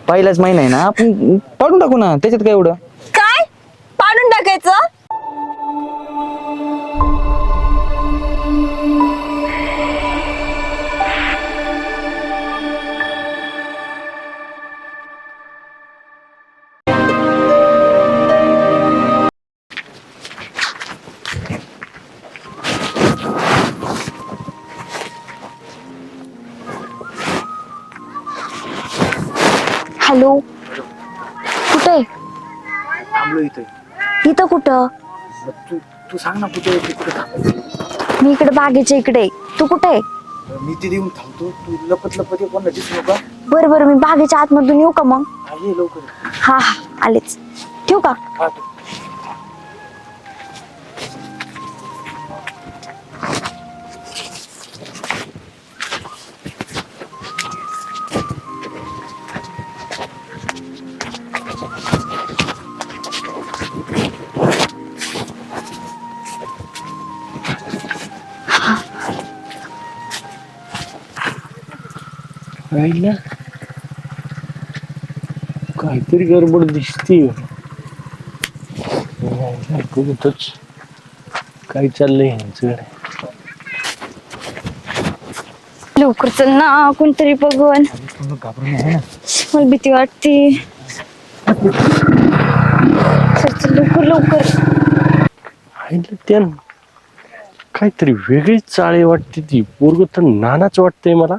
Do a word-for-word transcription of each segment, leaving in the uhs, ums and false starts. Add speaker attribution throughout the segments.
Speaker 1: पहिलाच महिना आहे ना, आपण पाडून टाकू ना, त्याच्यात काय एवढं.
Speaker 2: काय पाडून टाकायचं? हॅलो, कुठे?
Speaker 1: थांबलो इथे.
Speaker 2: इथं कुठं?
Speaker 1: तू तू सांग ना कुठे कुठे थांबायचं.
Speaker 2: मी इकडे बागेच्या इकडे. तू कुठे?
Speaker 1: मी तिथे येऊन थांबतो, तू लपत लपत ये, कोणाला दिसू नका.
Speaker 2: बरं बरं, मी बागेच्या आतमधून येऊ का मग?
Speaker 1: ये लवकर.
Speaker 2: हा हा, आलेच. ठेवू का?
Speaker 1: हा.
Speaker 3: राहिला काहीतरी गडबड दिसते. बघतच काय चाललंय यांचं.
Speaker 2: लवकर चल ना, कोणतरी बघन. मला भीती वाटते. चल चल लवकर लवकर.
Speaker 3: त्या काहीतरी वेगळीच चाळे वाटते. ती पोरग तर नानाच वाटतंय मला.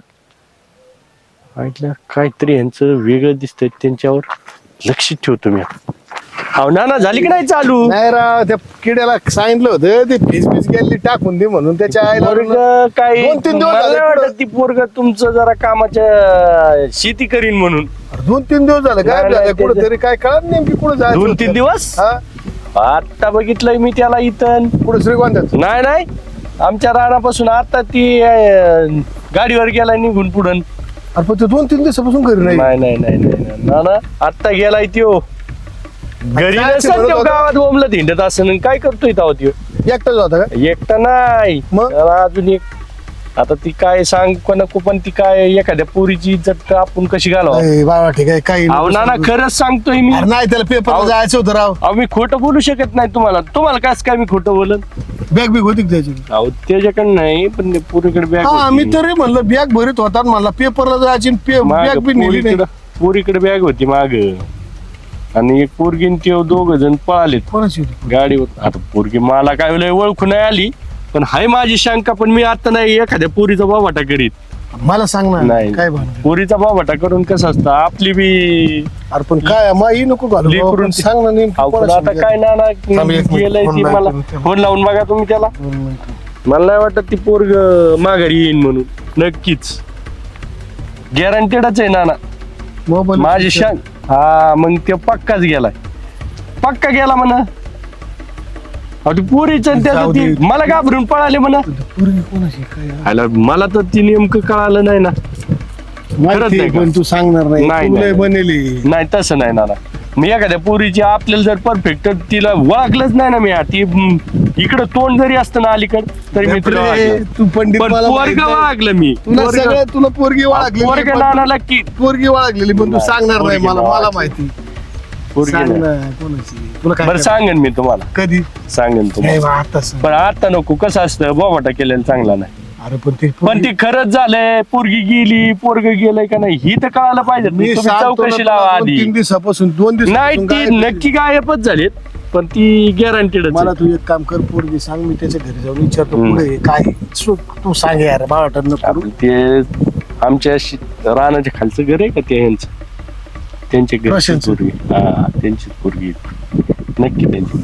Speaker 3: ऐकलं काहीतरी यांचं वेगळं दिसतंय, त्यांच्यावर लक्ष ठेवतो मी. अहो नाना, झाली की नाही चालू?
Speaker 4: नाही राव, त्या किड्याला सांगितलं होतं ते फीस फीस गेली टाकून दे म्हणून. त्याच्या आईला
Speaker 3: पोरग काही
Speaker 4: दोन तीन दिवस
Speaker 3: मला
Speaker 4: झाले
Speaker 3: नाही
Speaker 4: पुढं.
Speaker 3: वाटत ती पोरग तुमचं जरा कामाच्या शेती करीन म्हणून.
Speaker 4: दोन तीन दिवस झालं
Speaker 3: नाही,
Speaker 4: काय
Speaker 3: नाही,
Speaker 4: झालं कुठं
Speaker 3: त्याचं-
Speaker 4: तरी काय कळत नेमकी कुठं जायचं
Speaker 3: दोन
Speaker 4: होतं.
Speaker 3: तीन दिवस
Speaker 4: हा
Speaker 3: आता बघितलंय मी त्याला इथं.
Speaker 4: पुढे श्रीगोंद्यात
Speaker 3: नाही नाही, आमच्या रानापासून आता ती अं, गाडीवर गेला निघून पुढं.
Speaker 4: अरे पण ते दोन तीन दिवसापासून घरी नाही.
Speaker 3: नाही नाही नाही नाही ना ना, आता गेलाय त्यो घरी.
Speaker 4: काय
Speaker 3: नसेल
Speaker 4: म्हणत
Speaker 3: त्यो
Speaker 4: होता?
Speaker 3: गावात ओमलं धिंडत असं. काय करतोय तेव्हा त्यो?
Speaker 4: एकटाच होता का?
Speaker 3: एकटा नाही,
Speaker 4: मग?
Speaker 3: त्याला अजून एक. आता ती काय सांग कोणा पण ती काय एखाद्या पोरीची इज्जत आपण कशी घालवा.
Speaker 4: ए, बाबा ठीक आहे काही
Speaker 3: अहो नाना, खरंच सांगतोय मी.
Speaker 4: अरे नाही त्याला पेपरला
Speaker 3: अहो.
Speaker 4: जायचं होतं राव.
Speaker 3: अहो मी खोटं बोलू शकत नाही तुम्हाला. तुम्हाला काय काय मी खोटं बोलन?
Speaker 4: बॅग बिग होती का त्याची?
Speaker 3: अहो त्याच्याकडे नाही, पण ते पोरीकडे बॅग
Speaker 4: हा मी तरी म्हणलं बॅग भरीत होता आणि म्हणला पेपरला जायची बॅग बी नेली नाही.
Speaker 3: पोरीकडे बॅग होती माग, आणि एक पोरगी ते दोघ जण पळालेत
Speaker 4: कोणाची होती?
Speaker 3: गाडीवर. आता पोरगी मला काय लय ओळखू नाही आली, पण हाय माझी शंका. पण मी आता नाही एखाद्या पोरीचा बाबाटा करीत.
Speaker 4: मला सांग ना
Speaker 3: नाही,
Speaker 4: काय भानगड?
Speaker 3: पोरीचा बाबाटा करून कसं असतं आपली बी.
Speaker 4: अरे पण काय माही नको घालू
Speaker 3: लेकरून
Speaker 4: बाबा, पण
Speaker 3: ती-
Speaker 4: सांग ना नेमकी
Speaker 3: अहो, पण
Speaker 4: कोणाची
Speaker 3: आता काय ना ना
Speaker 4: थांब एक मिनिट,
Speaker 3: गेलंय
Speaker 4: फोन
Speaker 3: ती
Speaker 4: लावतो
Speaker 3: मला.
Speaker 4: मी त्याला.
Speaker 3: फोन लावून बघा तुम्ही त्याला. मला नाही वाटत ती पोरग माघारी येईन म्हणून. नक्कीच गॅरंटेडच आहे नाना
Speaker 4: मोबाईल
Speaker 3: माझी शान. हा मग ते पक्काच गेलाय, पक्का गेला म्हणा. ती पोरीच
Speaker 4: जाऊ दे.
Speaker 3: मला घाबरून पळाले म्हणा.
Speaker 4: पोरगी कोणाची काय
Speaker 3: आला मला तर ती नेमकं कळालं नाही ना.
Speaker 4: माहिती
Speaker 3: नाही का?
Speaker 4: पण तू सांगणार नाही.
Speaker 3: नाही,
Speaker 4: तू लय
Speaker 3: नाही.
Speaker 4: बनेली.
Speaker 3: नाही तसं नाही नाना. मी एखाद्या पोरीची आपल्याला जर परफेक्ट तिला ओळखलंच नाही ना मी. ती इकडं तोंड जरी असतं ना अलीकड तरी मी तिला
Speaker 4: बापरे,
Speaker 3: ओळखलं.
Speaker 4: तू पंडित
Speaker 3: पण
Speaker 4: मला माहित
Speaker 3: पोरग
Speaker 4: नाही.
Speaker 3: ओळखलं मी.
Speaker 4: तुला
Speaker 3: पोरगं-
Speaker 4: सगळं तुला पोरगी
Speaker 3: पोरग
Speaker 4: वाळगलेली
Speaker 3: नानाला की
Speaker 4: पोरगी वाळगलेली पण तू
Speaker 3: नाही,
Speaker 4: सांगणार नाही
Speaker 3: पोरगी
Speaker 4: मला मला
Speaker 3: वाळगली.
Speaker 4: माहिती.
Speaker 3: पोरगी
Speaker 4: सांग
Speaker 3: नाही.
Speaker 4: ना कोणाची तुला काय
Speaker 3: बरं सांगेन मी तुम्हाला,
Speaker 4: कधी
Speaker 3: सांगेन
Speaker 4: नाही
Speaker 3: तुम्हाला.
Speaker 4: बा, आता सांग.
Speaker 3: पण आता नको. कसं असतं बोबाटा केलेलं चांगला नाही.
Speaker 4: अरे पण ते
Speaker 3: पण ती खरंच झालंय, पोरगी गेली पोरग गेलंय का नाही ही तर कळायला पाहिजे.
Speaker 4: मी
Speaker 3: तुम्ही
Speaker 4: सांगतो ना
Speaker 3: चौकशी
Speaker 4: तुला,
Speaker 3: लावा
Speaker 4: दोन
Speaker 3: आधी.
Speaker 4: तीन दिवसापासून दोन दिवस
Speaker 3: नाही ती नक्की गायबच झालीत, पण ती गॅरंटीड.
Speaker 4: मला तू एक काम कर, पोरगी सांग, मी त्याच्या घरी जाऊन विचारतो
Speaker 3: हम्म.
Speaker 4: पुढे काय सु- तू सांग यार बाळाटन नको.
Speaker 3: ते आमच्या शि- रानाच्या खालचं घर आहे का ते यांचं, त्यांच्या घरची
Speaker 4: प्रशांतचं?
Speaker 3: पोरगी. हा त्यांची पोरगी नक्की त्यांची.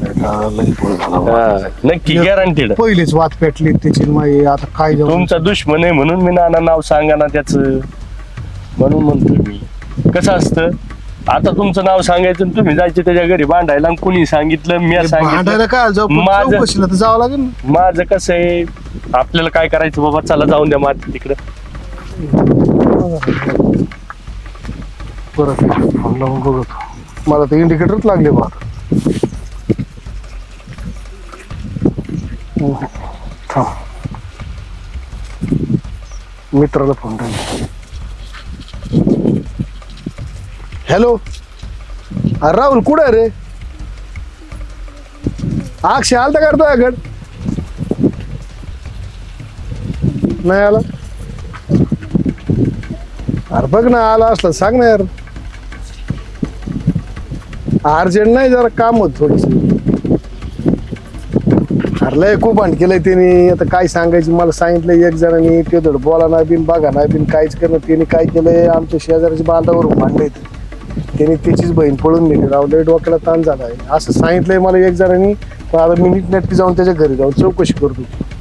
Speaker 3: हा, नक्की गॅरंटीड.
Speaker 4: पहिलेच वाद पेटली त्याची माई, आता काय जाऊ.
Speaker 3: तुमचा दुश्मन आहे म्हणून मी नाना नाव सांगा ना त्याच, म्हणून म्हणतो मी. कसं असतं आता तुमचं नाव सांगायचं आणि तुम्ही जायचे त्याच्या घरी भांडायला, आणि कुणी सांगितलं मी
Speaker 4: भांडायला
Speaker 3: सांगितलं.
Speaker 4: काय जाऊ, पण
Speaker 3: माझं-
Speaker 4: चौकशीला तर जावं लागेल ना.
Speaker 3: माझं कसं आहे, आपल्याला काय करायचं बाबा, चला जाऊन द्या माझं तिकडं.
Speaker 4: परत फोन लावून बघतो. मला तर इंडिकेटरच लागले बा. थांब, मित्राला फोन टाक. हॅलो अरे राहुल कुठं रे? अक्षय आलता का रे तुझ्याकडं? नाही आला. अरे बघ ना आला असला सांग ना यार. अर्जंट नाही जरा काम होत थोडस. अरे लय खूप भांड केलंय त्यांनी. आता काय सांगायचं मला सांगितलं एक जणांनी ते धड बोला ना बिन बघा ना बिन काहीच करणं. त्यांनी काय केलंय आमच्या शेजाऱ्याच्या बांधावरून भांडलंय. त्यांनी त्याचीच बहीण पळून नेली राव. लय डोक्याला ताण झालाय असं सांगितलंय मला एक जणांनी. पण आता मी नीटनेटकी जाऊन त्याच्या घरी जाऊन चौकशी करतो.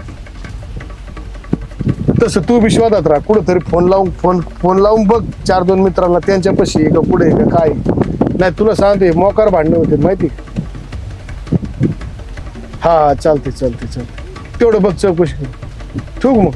Speaker 4: तसं तू विश्वासात राहा. कुठंतरी फोन लावून फोन फोन लावून बघ चार दोन मित्रांना त्यांच्यापाशी आहे का पुढे आहे का काय. नाही तुला सांगते मोकार भांडणं होते माहिती. हा हा चालते चालते चालते तेवढं बघ चौकशी कर. ठेवू मग.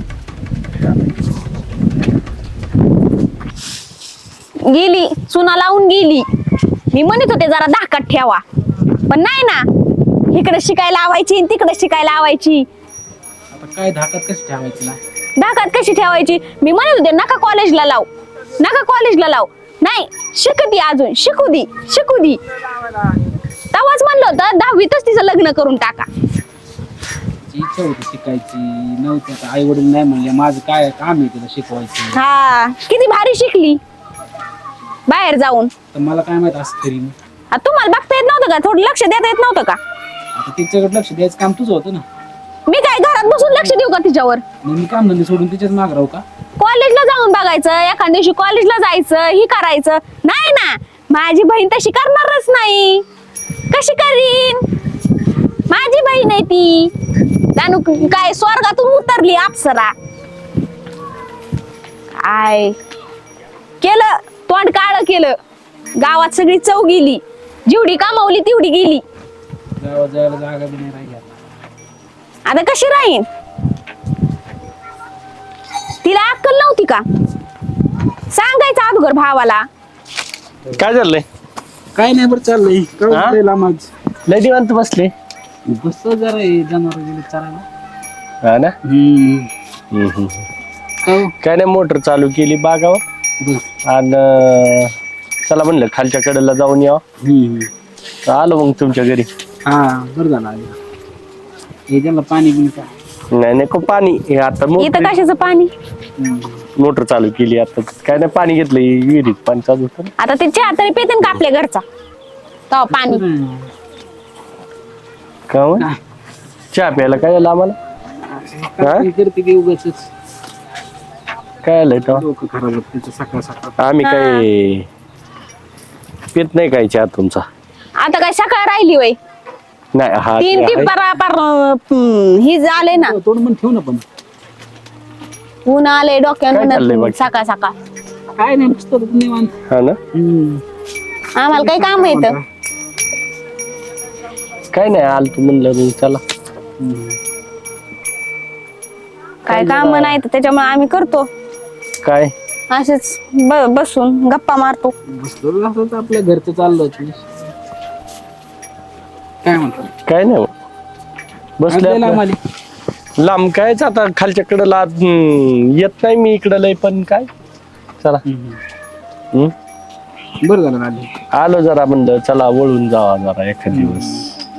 Speaker 2: गेली चुना लावून गेली. मी म्हणत होते जरा धाकात ठेवा पण नाही ना. इकडे शिकायला लावायची तिकडे शिकायला लावायची.
Speaker 1: आता काय धाकात कशी ठेवायची ना?
Speaker 2: धाकात कशी ठेवायची? मी म्हणत होते नका कॉलेजला लाव नका कॉलेजला लाव. नाही शिकती अजून शिकू दी शिकू दी. तेव्हाच म्हणलं होतं दहावीतच तिचं लग्न करून टाका.
Speaker 1: तिची इच्छा होती शिकायची नव्हती. आता आई वडील नाही म्हणले माझं काय काम आहे तिला शिकवायचं.
Speaker 2: हा किती भारी शिकली बाहेर जाऊन.
Speaker 1: तर मला काय माहित असं तरी.
Speaker 2: आ, तुम्हाला बघता येत नव्हतं का? थोडं लक्ष देता येत नव्हतं का?
Speaker 1: आता तिच्याकडे लक्ष द्यायचं काम तुझं होतं ना.
Speaker 2: मी काय घरात बसून लक्ष देऊ का तिच्यावर?
Speaker 1: मग मी काम धंदे सोडून तिच्याच माग राहू का?
Speaker 2: कॉलेजला जाऊन बघायचं एखाद्या दिवशी कॉलेजला जायचं ही करायचं नाही ना. माझी बहीण तशी करणारच नाही. कशी करीन? माझी बहीण आहे ती. त्यानु काय स्वर्गातून उतरली अप्सरा. काय केलं तोंड काळ केलं. गावात सगळी चव गेली. जेवढी कमावली तेवढी गेली.
Speaker 1: गावात जायला जागा बी नाही राहिली.
Speaker 2: आता कशी राहीन? तिला अक्कल नव्हती का? सांगायचं अगोदर भावाला.
Speaker 3: काय झालंय?
Speaker 1: काय नाही बरं चाललंय.
Speaker 3: हा?
Speaker 1: काय लांब
Speaker 3: लय निवांत बसले.
Speaker 1: बस जरा जनावर गेले चालायला.
Speaker 3: हा ना.
Speaker 1: हम्म.
Speaker 3: हम्म, हम्म.
Speaker 1: हो.
Speaker 3: काय नाही मोटर चालू केली बागावर.
Speaker 1: बरं.
Speaker 3: आणि चला म्हणलं खालच्या कडेला जाऊन यावं.
Speaker 1: हम्म.
Speaker 3: आलो मग तुमच्या घरी.
Speaker 1: हा बरं झालं आलं. हे त्याला पाणी बिन काय.
Speaker 3: नाही नको पाणी हे आता
Speaker 2: इथं
Speaker 3: मोटर
Speaker 2: कशाचं पाणी?
Speaker 3: मोटर चालू केली आता. काय नाही पाणी घेतलं विहिरीत पाणी चालू होतं ना.
Speaker 2: आता ते चहा तरी पेते का आपल्या घरचा तो पाणी?
Speaker 3: का मग?
Speaker 1: काय?
Speaker 3: चहा प्यायला काय झालं आम्हाला? हा?
Speaker 1: काय करते की उगाचच
Speaker 3: काय आलंय तो?
Speaker 1: डोकं खराब होत तिचं सकाळ सकाळ.
Speaker 3: आम्ही काय पित नाही काय चहा तुमचा?
Speaker 2: आता काय सकाळ राहिली वय?
Speaker 3: नाही हा
Speaker 2: तीन
Speaker 3: ते
Speaker 2: ती
Speaker 3: आहे.
Speaker 2: परापर ही झाले ना.
Speaker 1: तोंड पण ठेव ना पण.
Speaker 2: ऊन आले
Speaker 3: काय चाललंय
Speaker 2: डोक्यावर
Speaker 3: बाकी?
Speaker 2: सकाळ सकाळ.
Speaker 1: काय नाही नुसतं निवांत.
Speaker 3: हा ना.
Speaker 1: हम्म.
Speaker 2: आम्हाला काही काम येतं.
Speaker 3: काय नाही आल तू म्हणलं मग चला.
Speaker 1: हम्म.
Speaker 2: काय काम नाही तर त्याच्यामुळे आम्ही करतो
Speaker 3: काय
Speaker 2: असेच ब- बसून गप्पा मारतो.
Speaker 1: बसलो असं तर आपल्या घरचं चाललं होतं. काय म्हणतो?
Speaker 3: काय नाही मग. बसले
Speaker 1: आपल्याला
Speaker 3: आपलं.
Speaker 1: आम्हाला
Speaker 3: लांब कायच आता खालच्या कडेला हम्म, येत नाही मी इकडं लय पण काय चला. हम्म.
Speaker 1: बरं झालं ना आली.
Speaker 3: आलो जरा म्हणलं चला वळून जावा जरा एखाद दिवस.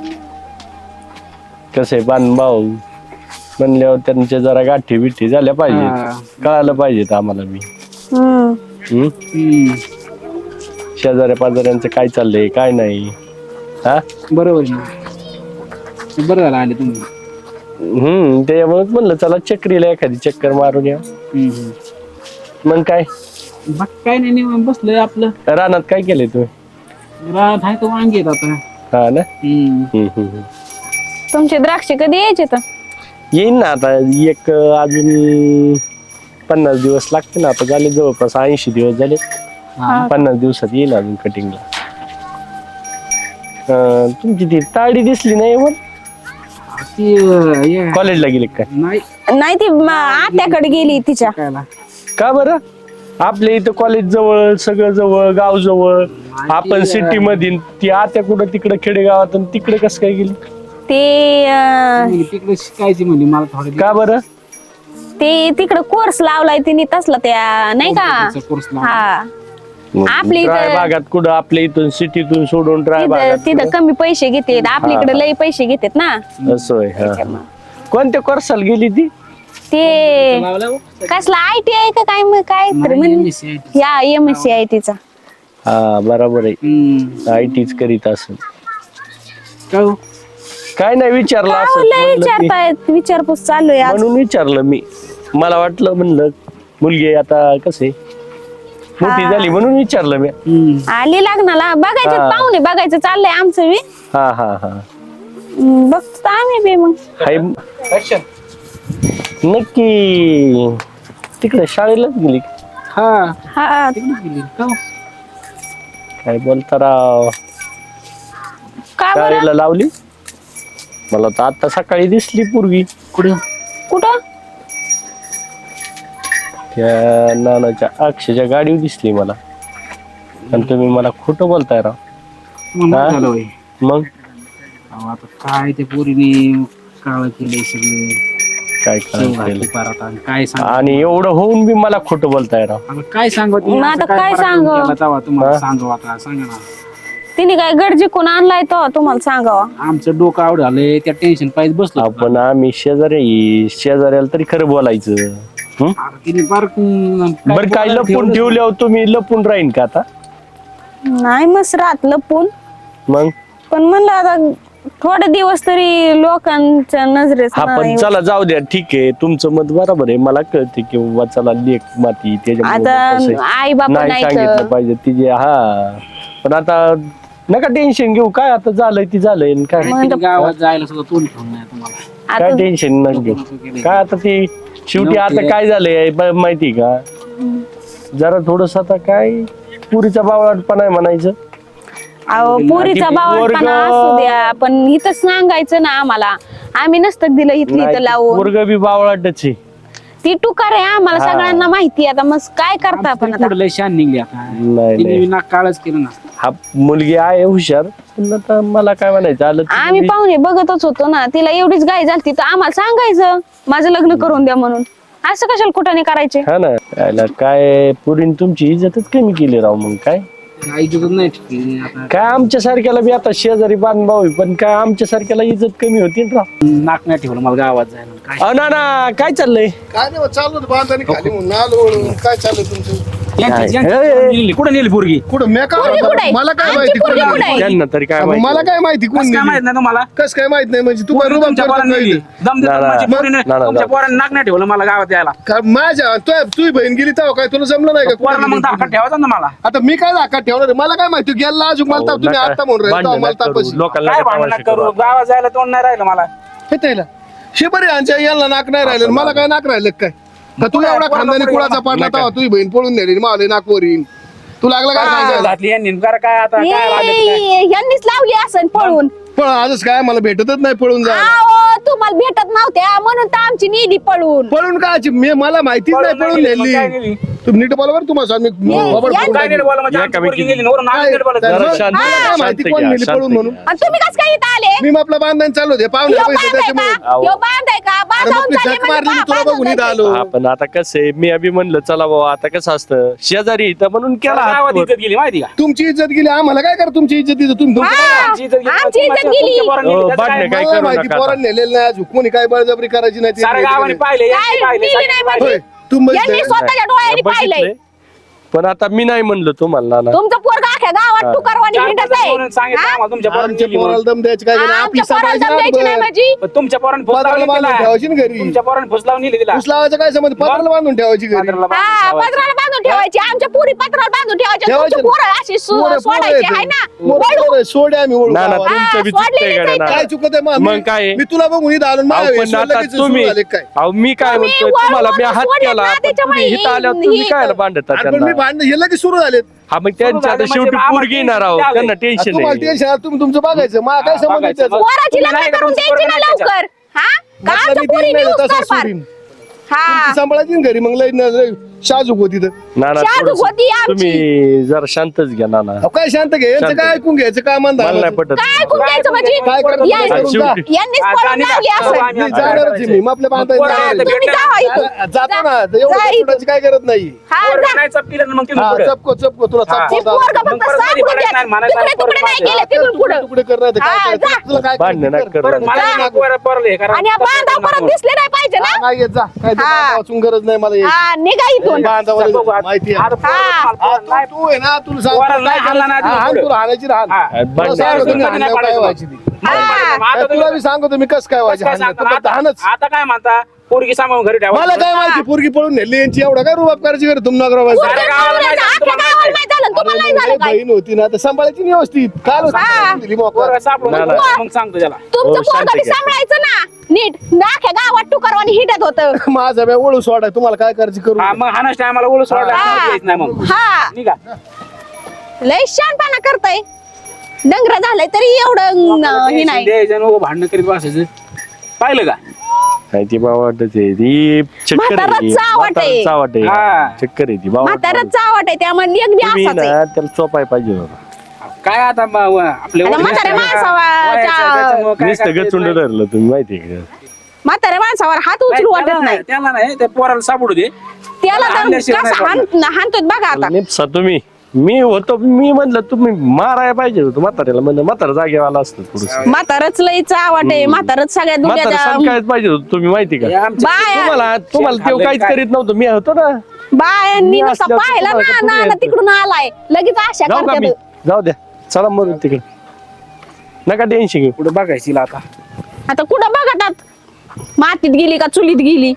Speaker 3: कसे बान भाऊ म्हणल्यावर त्यांच्या जरा गाठी बिठी झाल्या
Speaker 1: हा.
Speaker 3: पाहिजे. कळालं पाहिजेत आम्हाला बी.
Speaker 2: हम्म.
Speaker 3: हम्म.
Speaker 1: हम्म.
Speaker 3: शेजाऱ्या पाजाऱ्यांचं काय चाललंय काय नाही. हा
Speaker 1: बरोबर आहे ना. बरं झालं आले तुम्ही.
Speaker 3: हम्म त्यामुळेच म्हणलं चला चक्रीला एखादी चक्कर मारून या.
Speaker 1: हम्म.
Speaker 3: मग काय
Speaker 1: बाकी काय नाही निवांत बसलोय आपलं.
Speaker 3: रानात काय केलंय तुम्ही?
Speaker 1: रात आहे तो वांगे आहेत आता.
Speaker 3: हा ना.
Speaker 1: हम्म.
Speaker 3: हम्म, हम्म.
Speaker 2: तुमचे द्राक्ष कधी यायचे तर?
Speaker 3: येईन ना आता एक अजून पन्नास दिवस लागते ना. आता झाले जवळपास ऐंशी दिवस झाले.
Speaker 1: हा.
Speaker 3: पन्नास दिवसात येईल अजून कटिंगला. तुमची ती ताडी दिसली नाही मग
Speaker 1: ती अं, हे-
Speaker 3: कॉलेजला गेली काय?
Speaker 1: नाही
Speaker 2: नाही ती म- आत्याकडे गेली तिच्या.
Speaker 1: कायला.
Speaker 3: का बरं? आपल्या इथं कॉलेज जवळ सगळं जवळ गाव जवळ. आपण सिटी मध्ये ती आत्या कुठं तिकडं खेडेगावात आणि तिकडे कसं काय गेली?
Speaker 2: ते अं,
Speaker 1: ती तिकडे शिकायची म्हणजे मला थोडं
Speaker 3: का बरं?
Speaker 2: ते तिकडे कोर्स लावलाय तिने तसला त्या नाही का?
Speaker 1: कोर्स
Speaker 2: हा आपली
Speaker 3: ड्राय
Speaker 2: इथं-
Speaker 3: भागात कुठं आपल्या इथून सिटीतून सोडून ड्राय
Speaker 2: तिथं
Speaker 3: भागात
Speaker 2: तिथं कमी पैसे घेतात आपल्याकडे लई पैसे घेतात ना
Speaker 3: असं आहे हा. कोणत्या कोर्साला गेली ती
Speaker 2: ते
Speaker 1: लावलं हो.
Speaker 2: कसला आय टी आहे का काय मग काय तर
Speaker 1: नाही,
Speaker 2: म्हण
Speaker 1: M S C I T.
Speaker 2: या एम एस सी आय टीचा
Speaker 3: हा बरोबर आहे
Speaker 1: हम्म.
Speaker 3: आय टीच करीत असेल
Speaker 1: का हो?
Speaker 3: काय नाही विचारलं असं
Speaker 2: लय
Speaker 3: म्हणलं की-
Speaker 2: विचारतायत विचारपूस चालू आहे आज
Speaker 3: म्हणून विचारलं मी मला वाटलं म्हणलं मुलगी आता कसे मोठी
Speaker 2: हा.
Speaker 3: झाली म्हणून विचारलं मी
Speaker 1: हम्म.
Speaker 2: आली लग्नाला बघायचं
Speaker 3: हा.
Speaker 2: पाहुणे बघायचं चाललंय आमचं बी
Speaker 3: हा हा हा
Speaker 2: हम्म, बघतो आम्ही बी मग
Speaker 3: हाय नक्की तिकडे शाळेलाच गेली
Speaker 1: हा
Speaker 2: हा
Speaker 1: तिकडेच गेली. का हो?
Speaker 3: काय बोलता राव
Speaker 2: का बरं
Speaker 3: शाळेला लावली मला तर आता सकाळी दिसली पूर्वी
Speaker 1: कुठं
Speaker 2: कुठं
Speaker 3: त्या नानाच्या अक्षच्या गाडीवर दिसली मला आणि तुम्ही मला खोटं बोलताय राव
Speaker 1: मग
Speaker 3: हा?
Speaker 1: झालं होय.
Speaker 3: मग
Speaker 1: अहो, आता काय ते पोरीने काळ केलंय सगळे
Speaker 3: काय करायचं
Speaker 1: काय सांग
Speaker 3: आणि एवढं होऊन बी मला खोटं बोलताय राव
Speaker 1: आता काय सांगू
Speaker 2: मग आता काय सांगावं?
Speaker 1: तुम्हाला
Speaker 3: हा?
Speaker 1: सांगू आता सांगा ना
Speaker 2: तिने काय गडजी कोण आणलाय तो तुम्हाला सांगावा
Speaker 1: आमचं डोकं आवड झालंय त्या टेन्शन पाहिजे बसलो
Speaker 3: आपण आम्ही शेजारी शेजाऱ्याला तरी खरं बोलायचं हं?
Speaker 1: अरे तिने फार
Speaker 3: बरं काय लपून ठेवल्यावर तुम्ही लपून राहीन का आता
Speaker 2: नाही मस्त राहत लपून
Speaker 3: मग
Speaker 2: पण म्हणलं आता थोडे दिवस तरी लोकांच्या नजरेस
Speaker 3: हा पण
Speaker 2: नाही.
Speaker 3: चला जाऊ द्या ठीक आहे तुमचं मत बरोबर आहे मला कळते की बाबा चला लेख माती त्याच्यामुळे कसं
Speaker 2: आता
Speaker 3: आहे.
Speaker 2: आई बाप
Speaker 3: नाही
Speaker 2: नाही
Speaker 3: सांगितलं
Speaker 2: तर.
Speaker 3: पाहिजे तिचे हा पण आता नका टेन्शन घेऊ काय आता झालंय ती झालंय आणि काय
Speaker 2: मग
Speaker 1: गावात जायला सुद्धा तोंड ठेवून नाही तुम्हाला
Speaker 3: काय
Speaker 2: आता
Speaker 3: टेन्शन न घेऊ काय आता ती शेवटी आता काय झालंय ब- माहिती का जरा थोडस आता काय पुरीचा बावळटपणा आहे म्हणायचं
Speaker 2: अहो पुरीचा
Speaker 3: ती
Speaker 2: बावटपणा
Speaker 3: पोरगं-
Speaker 2: असू द्या पण इथं सांगायचं ना आम्हाला आम्ही नसतं दिलं इथली इथं लावून
Speaker 3: पोरग बी बावळाटच आहे
Speaker 2: ती टुकार आहे आम्हाला
Speaker 3: हा.
Speaker 2: सगळ्यांना माहिती आहे. आता मग काय करता आपण आता
Speaker 1: पुढे लय शान निघली आता
Speaker 3: नाही
Speaker 1: तिने
Speaker 3: नाही
Speaker 1: विना काळच केलं ना
Speaker 3: हा मुलगी आहे हुशार पण आता मला काय म्हणायचं आलं तर
Speaker 2: आम्ही
Speaker 3: तुम्ही-
Speaker 2: पाहुणे बघतच होतो ना तिला एवढीच गाय झाली तर आम्हाला सांगायचं माझं लग्न करून द्या म्हणून असं कशाला कुठं नाही करायचे
Speaker 3: हा ना याला काय पुरीन तुमची इज्जतच कमी केली राव मग काय
Speaker 1: ऐकतच नाही ठिकाणी आता
Speaker 3: काय आमच्या सारख्याला बी आता शेजारी बांधभाव आहे, पण काय आमच्या सारख्याला इज्जत कमी होती ना राव
Speaker 1: नाक नाही ठेवलं मला गावात जायला काय
Speaker 3: अहो ना ना काय चाललंय
Speaker 4: काय नाही चालू होतं बांधाने खाली म्हणून आलो वळून. काय चालू तुमचं
Speaker 1: यांची-
Speaker 3: काय?
Speaker 1: यांची
Speaker 3: हे-
Speaker 1: नेली. कुठं नेली पोरगी
Speaker 4: कुठं मी काय
Speaker 2: पोरगी कुठे आहे?
Speaker 4: मला काय
Speaker 2: आमची
Speaker 4: माहिती
Speaker 2: पोरगी
Speaker 4: कोण
Speaker 2: कुठे आहे?
Speaker 3: त्यांना तरी काय
Speaker 4: अहो,
Speaker 3: माहिती
Speaker 4: मला काय माहिती कोण
Speaker 1: कसं काय
Speaker 4: नेली?
Speaker 1: माहित नाही तुम्हाला
Speaker 4: कस काय माहित नाही म्हणजे तू काय
Speaker 1: पोरगी
Speaker 4: रुबाब
Speaker 1: तुमच्या
Speaker 4: करतो
Speaker 1: पोरानं
Speaker 4: काय
Speaker 1: नेली.
Speaker 4: इथे?
Speaker 1: दम देतो
Speaker 3: ना, ना.
Speaker 1: माझ्या पोरीने
Speaker 3: ना, ना,
Speaker 1: तुमच्या
Speaker 3: ना.
Speaker 1: पोरानं नाक नाही ठेवलं मला गावात यायला
Speaker 4: का माझ्या तू तुझी बहीण गेली तेव्हा काय तुला जमलं नाही का
Speaker 1: पोराला
Speaker 4: कुठं
Speaker 1: मग
Speaker 4: गेली?
Speaker 1: धाकात ठेवायचा ना मला
Speaker 4: आता मी काय दाखा ठेवणार आहे? मला काय माहिती गेला अजून मला ताप- तुम्ही आता म्हणून राहिले तेव्हा मला तापच
Speaker 3: लोकांना
Speaker 1: काय
Speaker 3: काय
Speaker 1: भांडण
Speaker 3: तमाशा
Speaker 1: करू
Speaker 3: करू?
Speaker 1: गावात जायला तोंड नाही राहिलं मला
Speaker 4: हे त्याला शिबरी यांच्या यांना नाक नाही राहिलं मला काय नाक राहिलं काय का तू
Speaker 1: पोरा-
Speaker 4: एवढा
Speaker 1: पोराला
Speaker 4: खानदानी
Speaker 1: पोरी
Speaker 4: कुळाचा पाडला तेव्हा तुझी बहीण पळून नेली मला नाक वरील तू लागला काय
Speaker 1: काय
Speaker 4: सांगायला
Speaker 1: घातली यांनी जरा काय आता काय लागलं ते काय?
Speaker 2: हे- यांनीच लावली असं पळून
Speaker 4: पण आजच काय मला भेटतच नाही पळून जा
Speaker 2: आओ, तुम्हाला भेटत नव्हत्या म्हणून तर आमची नेली पळून
Speaker 4: पळून काय मी मला माहितीच नाही
Speaker 1: पळून
Speaker 4: पळून
Speaker 1: नाही नेली, मग काय
Speaker 4: नेली
Speaker 1: नेली?
Speaker 4: तू नीट बोलावर तुम्हाला मी
Speaker 2: ये-
Speaker 4: बाबा
Speaker 2: या-
Speaker 4: पळून
Speaker 1: काय
Speaker 4: नेली.
Speaker 1: नेलं बोला म्हणजे आमची पोरगी नेली नवरा नाक
Speaker 4: काय-
Speaker 1: नेलं बोला.
Speaker 4: काय-
Speaker 3: जरा
Speaker 4: मला
Speaker 3: शांत
Speaker 4: काय
Speaker 3: घ्या,
Speaker 4: माहिती
Speaker 3: शांत
Speaker 4: कोण
Speaker 3: घ्या,
Speaker 4: नेली
Speaker 3: शांत
Speaker 4: पळून
Speaker 3: घ्या.
Speaker 4: म्हणून
Speaker 2: आणि तुम्ही कसं काय इथं आले
Speaker 4: मी आपला बांधण चालू दे पाहुणे
Speaker 2: ह्यो
Speaker 4: पैसे
Speaker 2: बांधाय
Speaker 4: त्याच्यामुळे
Speaker 2: का ह्यो बांधाय का
Speaker 4: अरे
Speaker 2: बांधावून
Speaker 4: मग मी
Speaker 2: चालले
Speaker 4: झक
Speaker 2: म्हणजे
Speaker 4: मारली मी
Speaker 2: बा-
Speaker 4: तुला
Speaker 2: बांधावून
Speaker 4: बघून इथं
Speaker 2: जायचे.
Speaker 4: आलो
Speaker 3: हा पण आता कसं आहे मी अभि म्हणलं चला बाबा आता कसं असतं शेजारी इथं म्हणून केला हात
Speaker 1: गावात
Speaker 3: वर.
Speaker 1: इज्जत गेली माहिती का
Speaker 4: तुमची इज्जत गेली आम्हाला काय करा तुमची इज्जत इथं तुम्ही तुमचं काय?
Speaker 2: हा,
Speaker 1: आमची इज्जत गेली.
Speaker 2: आमची इज्जत
Speaker 1: तुमच्या-
Speaker 2: गेली.
Speaker 1: तुमच्या पोरांनी
Speaker 3: हो,
Speaker 1: नेली, त्याचं
Speaker 3: भांडणे
Speaker 1: काय?
Speaker 3: काय
Speaker 4: मला
Speaker 3: करू
Speaker 4: माहिती
Speaker 3: नका
Speaker 4: पोरांनी नेलेलं नाही अजून कोणी काय बळजबरी करायची नाही ते
Speaker 1: साऱ्या
Speaker 4: माहिती
Speaker 1: गावाने
Speaker 4: नाही.
Speaker 1: पाहिले यांनी
Speaker 2: काय
Speaker 1: पाहिले,
Speaker 2: नेली
Speaker 1: सगळ्यांनी
Speaker 2: नाही
Speaker 1: पाहिले.
Speaker 4: होय, तू बघितलं
Speaker 2: यांनी
Speaker 4: का?
Speaker 2: स्वतःच्या डोळ्यांनी पाहिलंय
Speaker 3: बघितलंय. पण आता मी नाही म्हणलं तुम्हाला ना
Speaker 2: तुमचं पोरगा अख्या गावात टुकारवाणी
Speaker 1: चार
Speaker 2: हिंडत
Speaker 1: पाच
Speaker 2: आहे
Speaker 1: जणांनी सांगितलं
Speaker 2: हा?
Speaker 1: आम्हाला तुमच्या पोरांनी
Speaker 4: आमच्या
Speaker 1: नेली म्हणून.
Speaker 4: पोराला दम द्यायची काय नाही. आपली
Speaker 2: आमच्या पोराला
Speaker 4: सांभाळायची
Speaker 2: दम द्यायची नाही
Speaker 4: ना
Speaker 2: माझी
Speaker 1: पण तुमच्या पोरांनी फुस
Speaker 4: पत्राला
Speaker 1: लावून
Speaker 4: बांधून
Speaker 1: नेली
Speaker 4: ठेवायची ना
Speaker 1: तिला.
Speaker 4: घरी
Speaker 1: तुमच्या पोरांनी फुस लावून नेली तिला.
Speaker 4: ऊस लावायचं काय समज पत्राला बांधून ठेवायची घरी
Speaker 1: पांढऱ्याला
Speaker 2: हा
Speaker 1: बांधून ठेवायचं.
Speaker 2: पत्राला बांधून ठेवायची आमच्या पुरी पत्राला बांधून ठेवायच्या
Speaker 4: ठेवायचे
Speaker 2: तुमची
Speaker 4: ना.
Speaker 2: पोरं अशी सो-
Speaker 4: पोरं- पोरं
Speaker 2: सोडायची
Speaker 4: येते.
Speaker 2: आहे ना
Speaker 4: पोरं-
Speaker 2: वळू.
Speaker 4: पोरं सोडे आम्ही वळू
Speaker 3: ना ना
Speaker 4: गावाला.
Speaker 3: तुमचं बी
Speaker 2: हा,
Speaker 3: चुकतंय
Speaker 2: सोडलेलीच
Speaker 3: गड्या
Speaker 2: आहे
Speaker 3: ना
Speaker 4: काय चुकत आहे मग?
Speaker 3: मग
Speaker 4: मी-
Speaker 3: काय?
Speaker 4: मी तुला बघून इथं आलो
Speaker 3: अहो,
Speaker 4: माझ्या
Speaker 3: पण
Speaker 4: वेळेस
Speaker 3: आता
Speaker 4: लगेच
Speaker 3: तुम्ही
Speaker 4: सुरू झाले काय
Speaker 3: अहो मी काय
Speaker 2: तुम्ही
Speaker 3: म्हणतोय
Speaker 2: वळून
Speaker 3: तुम्हाला मी हात
Speaker 2: सोडले
Speaker 3: केला
Speaker 2: ना,
Speaker 3: पण
Speaker 2: त्याच्यामुळे
Speaker 3: तुम्ही इथं आल्यावर तुम्ही
Speaker 2: ही-
Speaker 3: काय भांडता
Speaker 4: अरे पण मी
Speaker 3: त्यांना
Speaker 4: भांडण हे लगेच सुरू झाले
Speaker 3: हा मग त्यांच्या आता
Speaker 1: म्हणजे
Speaker 3: शेवटी
Speaker 1: आम्हाला
Speaker 3: पोरगी येणार आहोत
Speaker 1: टेन्शन
Speaker 3: त्यांना टेन्शन
Speaker 4: तुम्हाला
Speaker 3: आहे
Speaker 4: टेन्शन आलं, तुम्ही तुमचं बघायचं मला काय
Speaker 1: हा,
Speaker 4: संबंध
Speaker 1: बघायचं.
Speaker 4: त्याचा?
Speaker 2: पोराची
Speaker 1: तुम्ही
Speaker 2: लग्न
Speaker 1: नाही
Speaker 2: करून
Speaker 1: तुमचं
Speaker 2: द्यायची ना
Speaker 1: पोरं नाही
Speaker 2: लवकर हा का
Speaker 4: म्हटलं
Speaker 2: आमच्या
Speaker 4: मी
Speaker 2: पोरी
Speaker 4: तीन महिने
Speaker 2: न्यूज
Speaker 4: तसा
Speaker 2: करपार
Speaker 4: सोडीन.
Speaker 2: हा
Speaker 4: तुमची सांभाळायची ना घरी मग लई न- लई शाजूक होती तर
Speaker 3: नाना
Speaker 2: शाजूक
Speaker 3: थोडंसं
Speaker 2: होती आमची.
Speaker 3: तुम्ही जरा शांतच घ्या नाना.
Speaker 4: अहो, काय शांत घे यांचं
Speaker 3: शांत.
Speaker 4: काय ऐकून घ्यायचं काय म्हणता
Speaker 3: मला नाही पटत.
Speaker 2: काय ऐकून घ्यायचं म्हणजे
Speaker 4: काय करतो
Speaker 2: या-
Speaker 4: ते करून जा.
Speaker 3: शेवटी-
Speaker 2: यांनीच
Speaker 1: आता
Speaker 2: पळून
Speaker 1: आणि
Speaker 2: लावली
Speaker 1: आता
Speaker 2: असं
Speaker 1: आम्ही
Speaker 4: मी जाणारच आहे मी मग आपल्या बांधायला
Speaker 1: पोरं
Speaker 4: जाणार
Speaker 1: आता
Speaker 4: आहे.
Speaker 2: तुम्ही जावा इथून.
Speaker 4: जातो ना तर एवढं
Speaker 2: जा इथून.
Speaker 4: चपकुटाची काय गरज नाही
Speaker 2: हा
Speaker 1: पोरं
Speaker 2: जा.
Speaker 1: नाही चपकीलं ना मग तिथून
Speaker 4: हा
Speaker 1: पुढं.
Speaker 4: चपको चपको तुला
Speaker 1: हा.
Speaker 2: ती
Speaker 4: चपको
Speaker 2: पोरगं
Speaker 1: मग
Speaker 2: फक्त
Speaker 1: परत
Speaker 2: सापडू
Speaker 1: कधी
Speaker 2: द्या.
Speaker 1: पडायचं नाही, मला
Speaker 2: तुकडे
Speaker 1: सांग,
Speaker 2: तुकडे नाही
Speaker 1: परत
Speaker 2: केले तिकडून पुढं.
Speaker 4: तुकडे करणार ते काय
Speaker 2: हा,
Speaker 4: करायचं?
Speaker 2: जा.
Speaker 4: तुला काय
Speaker 3: भांडणं
Speaker 4: करायचं?
Speaker 3: नका करू.
Speaker 1: परत मला
Speaker 2: जा.
Speaker 1: नाही पोरं पोरले करा.
Speaker 2: आणि या बांधाव परत दिसले नाही पाहिजे ना.
Speaker 4: हा, नाही येत जा काय ते
Speaker 2: हा.
Speaker 4: बांधा वाचून गरज नाही मला यायची.
Speaker 2: हा निघा इथून.
Speaker 4: बांधावर
Speaker 1: बघू आता.
Speaker 4: माहिती आहे
Speaker 1: आता पोरं
Speaker 2: हा.
Speaker 1: मला
Speaker 4: हा,
Speaker 1: पोरं नाही.
Speaker 4: तू तू आहे ना तुला सांग
Speaker 1: पोराला नाही हाणला नाही
Speaker 4: हा, हाण
Speaker 1: पुढं.
Speaker 4: तुला हाणायची राहा
Speaker 1: हा.
Speaker 3: भांडणं
Speaker 4: तुला सांगतो
Speaker 1: नाही
Speaker 4: मी हाणल्यावर काय
Speaker 1: पाडायचं.
Speaker 4: व्हायची ती.
Speaker 2: हा.
Speaker 1: आता
Speaker 4: तुला
Speaker 1: तुम्ही-
Speaker 4: मी सांगतो मी कस काय व्हायची
Speaker 1: काय
Speaker 4: हाणल्यावर.
Speaker 1: सांगता?
Speaker 4: तुला
Speaker 1: आता
Speaker 4: हाणच
Speaker 1: आता काय म्हणता पोरगी सांभाळून घरी ठेवा.
Speaker 4: मला काय माहिती पोरगी पळून नेली यांची एवढा काय रुबाब करायची गरज तुम नगर
Speaker 2: पोरगं
Speaker 1: साऱ्या गावाला
Speaker 2: चाललंय,
Speaker 1: माहिती आहे,
Speaker 2: अख्ख्या
Speaker 1: तुम्हाला
Speaker 2: गावाला
Speaker 1: माहिती
Speaker 2: माहिती झालं. तुम्हाला नाही झालं काय?
Speaker 4: बहीण होती ना तर सांभाळायची नाही व्यवस्थित काल
Speaker 2: हा.
Speaker 4: दिली मोकळं.
Speaker 1: पोरं सापडून
Speaker 3: नाही,
Speaker 1: मग
Speaker 3: नाही.
Speaker 1: मग सांगतो त्याला.
Speaker 2: तुमचं
Speaker 3: हो, शांती
Speaker 2: पोरगं बी
Speaker 3: घ्या.
Speaker 2: सांभाळायचं ना नीट अख्ख्या गावात टुकारवानी हिटत होतं.
Speaker 4: माझा बॅ ओळू सोडा तुम्हाला काय करायची करू
Speaker 1: हा, मग हाणाच टायमाला ओळख सोडला
Speaker 2: हा.
Speaker 1: यायचं नाही मग
Speaker 2: हा
Speaker 1: निघा.
Speaker 2: लय शानपणा करताय. डंगर झालंय तरी एवढं अं, हे नाही.
Speaker 1: द्यायचं नको भांडणं करीत बसायचं. पाहिलं का
Speaker 3: काय ती बाबा वाटत आहे ती चक्कर आहे ती.
Speaker 2: म्हातारं चावट आहे.
Speaker 3: म्हातारं चावट आहे.
Speaker 1: हा.
Speaker 3: चक्कर आहे ती बाबा
Speaker 2: म्हातारच चावट आहे त्यामध्ये अगदी
Speaker 3: तुम्ही
Speaker 2: असाच
Speaker 3: ना
Speaker 2: आहे.
Speaker 3: त्याला चोपाय पाहिजे होता.
Speaker 1: काय आता म- व- आपले
Speaker 2: आता
Speaker 1: वडील
Speaker 2: म्हाताऱ्या
Speaker 1: असतात ना,
Speaker 2: माणसावा-
Speaker 1: वयाचं,
Speaker 2: च्या-
Speaker 1: त्याच्यामुळं काय
Speaker 3: नुसतं
Speaker 1: करता येत
Speaker 3: गचुंड
Speaker 1: नाही.
Speaker 3: धरलं तुम्ही माहिती आहे का?
Speaker 2: म्हाताऱ्या माणसावर हात
Speaker 1: नाही,
Speaker 2: उचलू
Speaker 1: त्याला
Speaker 2: वाटत नाही.
Speaker 1: त्याला नाही त्या पोराला सापडू दे.
Speaker 2: त्याला तर
Speaker 1: हाणल्याशिवाय
Speaker 2: कसं
Speaker 1: नाही
Speaker 2: हाण- हाणतोय बघा आता.
Speaker 3: निपसा तुम्ही मी होतो मी म्हणलं तुम्ही मारायला पाहिजे होतं म्हाताऱ्याला म्हणलं म्हातारा जागेवर आला असतं थोडस
Speaker 2: म्हातारच लय चावट आहे. म्हातारच सगळ्या
Speaker 3: म्हातारा
Speaker 2: दुनिया
Speaker 3: सांगायच पाहिजे होतं तुम्ही माहिती
Speaker 1: हे
Speaker 3: का
Speaker 1: आमच्या-
Speaker 2: बाया
Speaker 3: तुम्हाला तुम्हाला तेव्हा काहीच
Speaker 1: काय?
Speaker 3: करीत नव्हतं मी होतो ना.
Speaker 2: बायांनी
Speaker 3: मी
Speaker 2: नुसतं
Speaker 3: असल्यावर
Speaker 2: पाहिलं
Speaker 3: तुम्हाला
Speaker 2: ना
Speaker 3: कुठे
Speaker 2: ना
Speaker 3: यायचं?
Speaker 2: तिकडून आलाय लगेच आशा
Speaker 3: जाऊ का मी
Speaker 2: करते.
Speaker 3: जाऊ द्या चला मग तिकडे नका टेन्शन घेऊ.
Speaker 1: पुढे बघायची हिला आता.
Speaker 2: आता कुठं बघतात मातीत गेली का चुलीत गेली.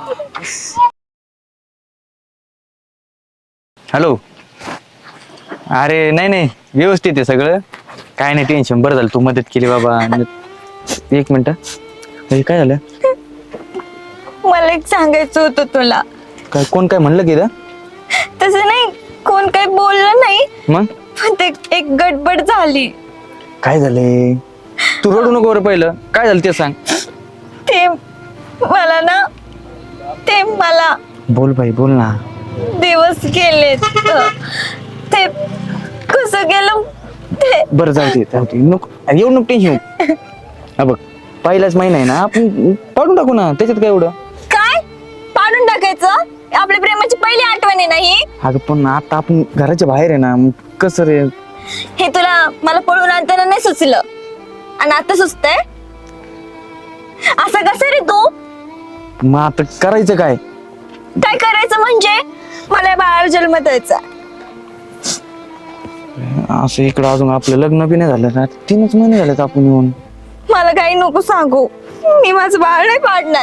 Speaker 5: हॅलो. अरे नाही नाही व्यवस्थित आहे सगळं, काय नाही टेन्शन. बरं झालं तू मदत केली बाबा. न- एक मिनिट. हे काय झालं?
Speaker 6: मला एक सांगायचं होतं तुला.
Speaker 5: काय कोण काय म्हणलं की इथं?
Speaker 6: तसं नाही, कोण काही बोललं नाही,
Speaker 5: मग
Speaker 6: पण ते एक गडबड झाली.
Speaker 5: काय झालंय? तू रडू नको बरं, पहिलं काय झालं ते सांग.
Speaker 6: ते मला ना ते मला
Speaker 5: बोल बाई बोल ना.
Speaker 6: दिवस गेलेत. ते कसं गेलं ते
Speaker 5: बरं जाऊ दे जाऊ दे नको अरे एवढं नको टेन्शन. हा बघ पहिलाच महिना आहे ना, आपण पाडून टाकू ना, त्याच्यात काय एवढं.
Speaker 6: काय पाडून टाकायचं? आपल्या प्रेमाची पहिली आठवण आहे ना ही.
Speaker 5: अगं पण आता आपण घराच्या बाहेर आहे ना, मग कसं रे.
Speaker 6: हे तुला मला पळून आणताना नाही सुचलं आणि आता सुचतंय. असं कसं रे तू?
Speaker 5: मग आता करायचं काय?
Speaker 6: काय करायचं म्हणजे मला या बाळाला जन्म द्यायचा.
Speaker 5: असं इकडं अजून आपलं लग्न बी नाही झालं ना, तीनच महिने झालेत आपण येऊन.
Speaker 6: मला काही नको सांगू, मी माझं बाळ नाही पाडणार.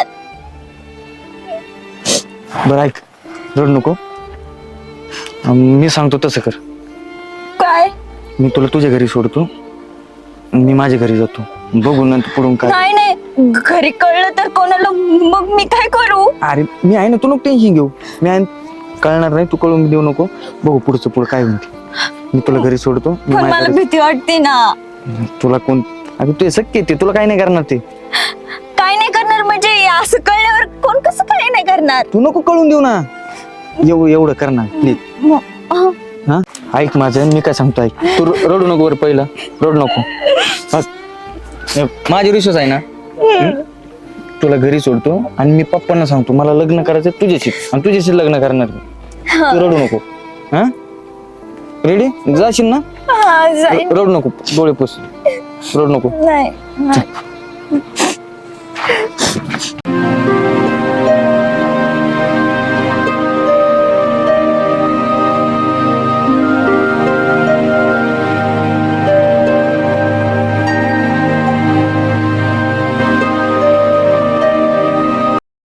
Speaker 5: बरं ऐक, रड नको. अं, मी सांगतो तसं कर.
Speaker 6: काय?
Speaker 5: मी तुला तुझ्या घरी सोडतो, मी माझ्या घरी जातो, बघू नंतर पुढून काय.
Speaker 6: नाही नाही, घरी कळलं तर कोणाला, मग मी काय करू?
Speaker 5: अरे मी आहे ना, तू नको टेन्शन घेऊ. मी आहे, कळणार नाही, तू कळून देऊ नको. बघू पुढचं पुढं काय म्हणते. मी तुला घरी सोडतो, मी
Speaker 6: पण
Speaker 5: माझ्या
Speaker 6: मला
Speaker 5: घरी-
Speaker 6: भीती वाटते ना.
Speaker 5: तुला कोण अगं तू शक्य ते तुला काय नाही करणार ते.
Speaker 6: काय नाही करणार म्हणजे असं कळल्यावर कोण कसं काय नाही करणार?
Speaker 5: तू नको कळून देऊ ना, एवढं एवढं करणार प्लीज.
Speaker 6: म- अह,
Speaker 5: हा ऐक माझं, मी काय सांगतो ऐक. तू र- रडू नको बरं, पहिलं रडू नको. हा. हे, माझ्या विश्वास आहे ना. हं? तुला घरी सोडतो आणि मी पप्पांना सांगतो मला लग्न करायचं तुझ्याशी आणि तुझ्याशी लग्न करणार मी. तू रडू नको. हा रेडी जाशील ना?
Speaker 6: हा, जाईन.
Speaker 5: र- रडू नको, डोळे पुस, रडू नको.
Speaker 6: नाही नाही.